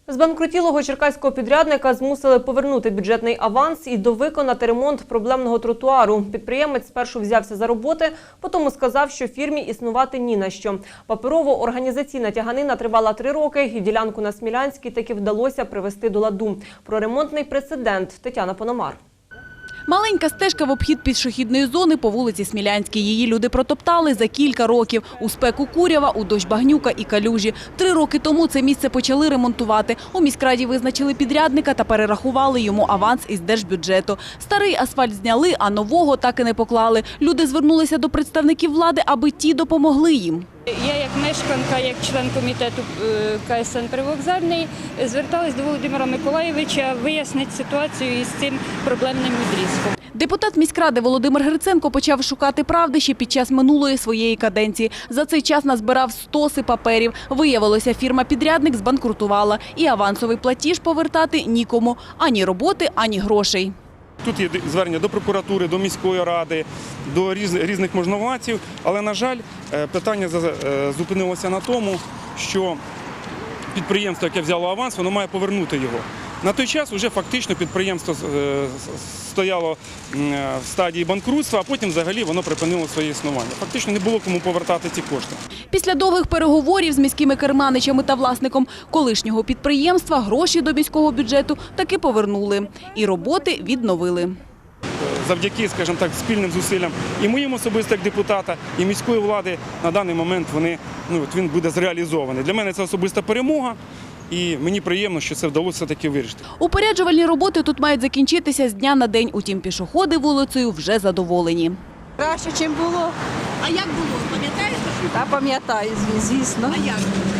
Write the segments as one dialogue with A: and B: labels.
A: Збанкрутілого черкаського підрядника змусили повернути бюджетний аванс і довиконати ремонт проблемного тротуару. Підприємець спершу взявся за роботи, потім сказав, що фірмі існувати ні на що. Паперово-організаційна тяганина тривала 3 роки, і ділянку на Смілянській таки вдалося привести до ладу. Про ремонтний прецедент Тетяна Пономар.
B: Маленька стежка в обхід пішохідної зони по вулиці Смілянській. Її люди протоптали за кілька років. У спеку курява, у дощ багнюка і калюжі. 3 роки тому це місце почали ремонтувати. У міськраді визначили підрядника та перерахували йому аванс із держбюджету. Старий асфальт зняли, а нового так і не поклали. Люди звернулися до представників влади, аби ті допомогли їм.
C: Я як мешканка, як член комітету КСН «Привокзальний» зверталась до Володимира Миколайовича вияснити ситуацію із цим проблемним відрізком.
B: Депутат міськради Володимир Гриценко почав шукати правди ще під час минулої своєї каденції. За цей час назбирав стоси паперів. Виявилося, фірма-підрядник збанкрутувала. І авансовий платіж повертати нікому. Ані роботи, ані грошей.
D: Тут є звернення до прокуратури, до міської ради, до різних можновладців. Але, на жаль, питання зупинилося на тому, що підприємство, яке взяло аванс, воно має повернути його. На той час вже фактично підприємство стояло в стадії банкрутства, а потім взагалі воно припинило своє існування. Фактично не було кому повертати ці кошти.
B: Після довгих переговорів з міськими керманичами та власником колишнього підприємства гроші до міського бюджету таки повернули. І роботи відновили.
D: Завдяки, скажімо так, спільним зусиллям і моїм особисто як депутата, і міської влади на даний момент він буде зреалізований. Для мене це особиста перемога. І мені приємно, що це вдалося таки вирішити.
B: Упоряджувальні роботи тут мають закінчитися з дня на день. Утім, пішоходи вулицею вже задоволені.
E: Краще, ніж було.
B: А як було? Пам'ятаєш?
E: Та пам'ятаю, звісно.
B: А як?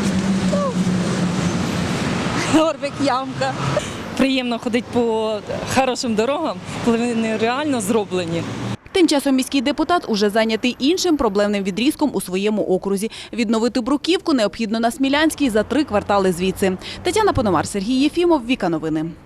E: Горбик, ямка.
F: Приємно ходити по хорошим дорогам, коли вони реально зроблені.
B: Тим часом міський депутат уже зайнятий іншим проблемним відрізком у своєму окрузі. Відновити бруківку необхідно на Смілянській за 3 квартали звідси. Тетяна Пономар, Сергій Єфімов, Віка Новини.